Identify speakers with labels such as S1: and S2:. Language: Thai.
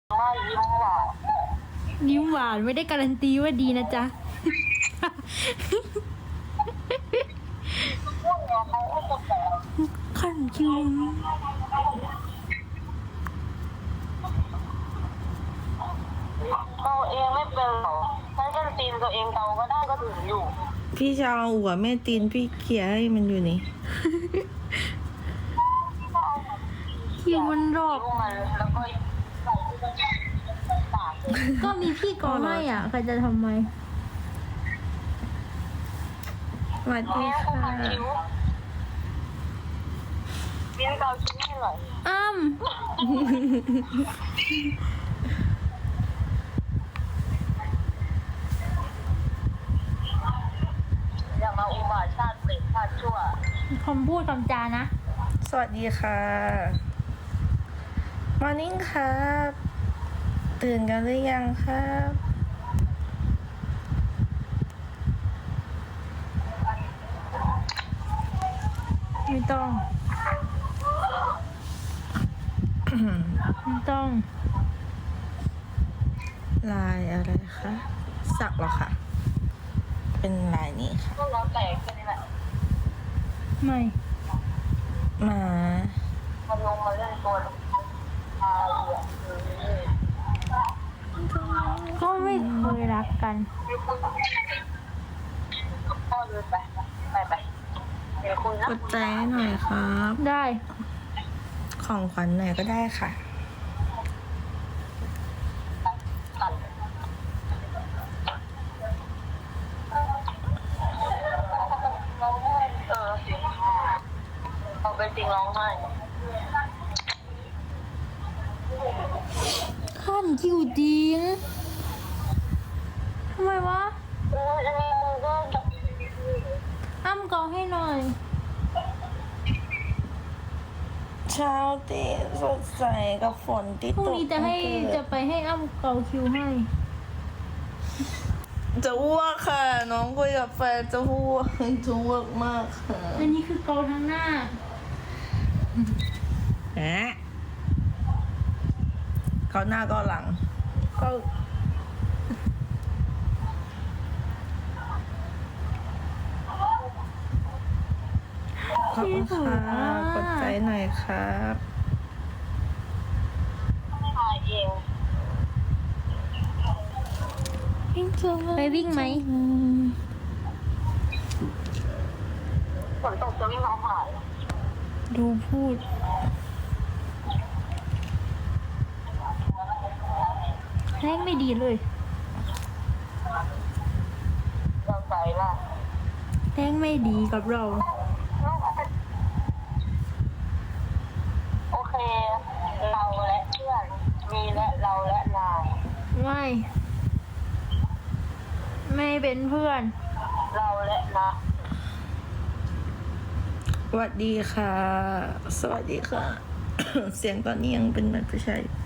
S1: ว่ายิ้มหวาน
S2: ยิ้มหวานไม่ได้การันตีว่าดีนะจ๊ะ
S1: พวกเนี้ยเขาก็จะแบบ
S2: ขั้นคิว
S1: เกาเองไม่เป็นหรอกถ้าฉันตีนตัวเองเกาก็ได้ก็ถึงอยู่
S3: พี่จะเอาหัวแม่ตีนพี่เขี่ยให้มันอยู่นี่
S2: คิวมันรอบ
S1: ลูกมันแล้วก็ใส่ปากเลย
S2: ก็มีพี่กอให้อ่ะใครจะทำไม
S3: สวัสดี
S1: เนี่ยก็
S3: ค่ะ
S1: ขัดคิ้วเลี้ยงเกาคิ้วให้หน่อย
S2: อ้ำ
S1: อย่ามาอุบาทชาติเปรตชาติชั่ว
S2: คำพูดคำจานะ
S3: สวัสดีค่ะมอร์นิ่งครับ ตื่นกันหรือยังครับ
S2: ไม่ต้อง ไม่ต้อง
S3: ลายอะไรคะ สักเหรอคะ เป็นลายนี้ค่ะ
S1: พวกเราแตกแค่นี้แหละ
S2: ไม่
S3: หมา
S1: มันลงมาเล่นตัวอาเหลือ
S2: ก็ไม่เคยรักกัน
S1: พ่อเดินไปไปเดี๋ยวคุณนะ
S3: กดใจให้หน่อยครับ
S2: ได้
S3: ของขวัญหน่อยก็ได้ค่ะ
S1: ตัดเอาไปจริงร้องไห้
S2: ขั้นคิวจริงทำไมวะ
S1: อันนี้มึงก็
S2: อ้ำกอให้หน่อย
S3: เช้าตีสดใสกับฝนที่
S2: พรุ่ง
S3: ตก
S2: นี้จะให้จะไปให้อ้ำเกาคิวให้
S3: จะอ้วกค่ะ น้องคุยกับแฟนจะอ้วกจะอ้วกมากค่ะ
S2: อันนี้คือเกาทั้งหน้า
S3: แหะเขาหน้าก็หลัง
S2: เกา
S3: ขอบคุณค่ะกดใจหน่อยครับ
S1: ถ่ายเอง
S2: ไปวิ่งไหม
S1: ฝนตกจะวิ่งร้องไห้
S2: ดูพูด แรงไม่ดีเลย
S1: ยังใจล่ะ
S2: แรงไม่ดีกับเรา
S1: โอเค เราและเพื่อน มีและเราและนาย
S2: ไม่ ไม่เป็นเพื่อน
S1: เราและนะ
S3: สวัสดีค่ะ สวัสดีค่ะ เสียงตอนนี้ยังเป็นเหมือนผู้ชายอยู่